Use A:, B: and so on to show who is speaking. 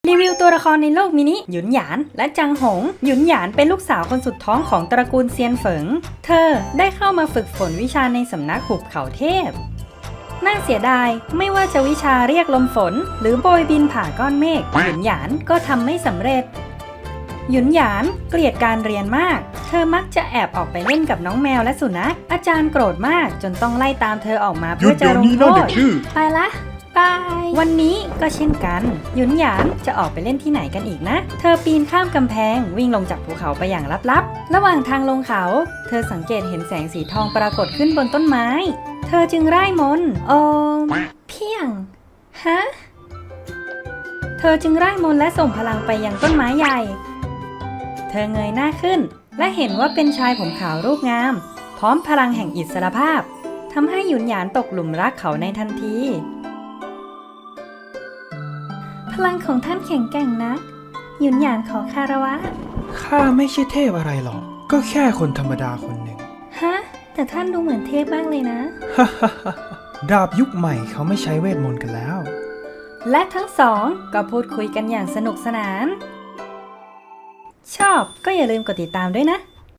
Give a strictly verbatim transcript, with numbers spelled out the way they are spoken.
A: รีวิวตัวละครในโลกมินิหยุนหยานและจังหงหยุนหยานเป็นลูกสาวคนสุดท้องของตระกูลเซียนเฟิงเธอได้เข้ามาฝึกฝนวิชาในสำนักหุบเขาเทพน่าเสียดายไม่ว่าจะวิชาเรียกลมฝนหรือโบยบินผ่าก้อนเมฆหยุนหยานก็ทำไม่สำเร็จหยุนหยานเกลียดการเรียนมากเธอมักจะแอบออกไปเล่นกับน้องแมวและสุนัขอาจารย์โกรธมากจนต้องไล่ตามเธอออกมาเพื่อจะลงโทษไปละบายวันนี้ก็เช่นกันหยุนหยานจะออกไปเล่นที่ไหนกันอีกนะเธอปีนข้ามกำแพงวิ่งลงจากภูเขาไปอย่างลับๆระหว่างทางลงเขาเธอสังเกตเห็นแสงสีทองปรากฏขึ้นบนต้นไม้เธอจึงร่ายมนต์โอมเพียงฮะเธอจึงร่ายมนต์และส่งพลังไปยังต้นไม้ใหญ่เธอเงยหน้าขึ้นและเห็นว่าเป็นชายผมขาวรูปงามพร้อมพลังแห่งอิสรภาพทำให้หยุนหยานตกหลุมรักเขาในทันทีพลังของท่านแข็งแกร่งนะหยุนหยานขอคารวะ
B: ข้าไม่ใช่เทพอะไรหรอกก็แค่คนธรรมดาคนหนึ่ง
A: ฮะแต่ท่านดูเหมือนเทพมากเลยนะ
B: ดาบยุคใหม่เขาไม่ใช้เวทมนต์กันแล้ว
A: และทั้งสองก็พูดคุยกันอย่างสนุกสนานชอบก็อย่าลืมกดติดตามด้วยนะ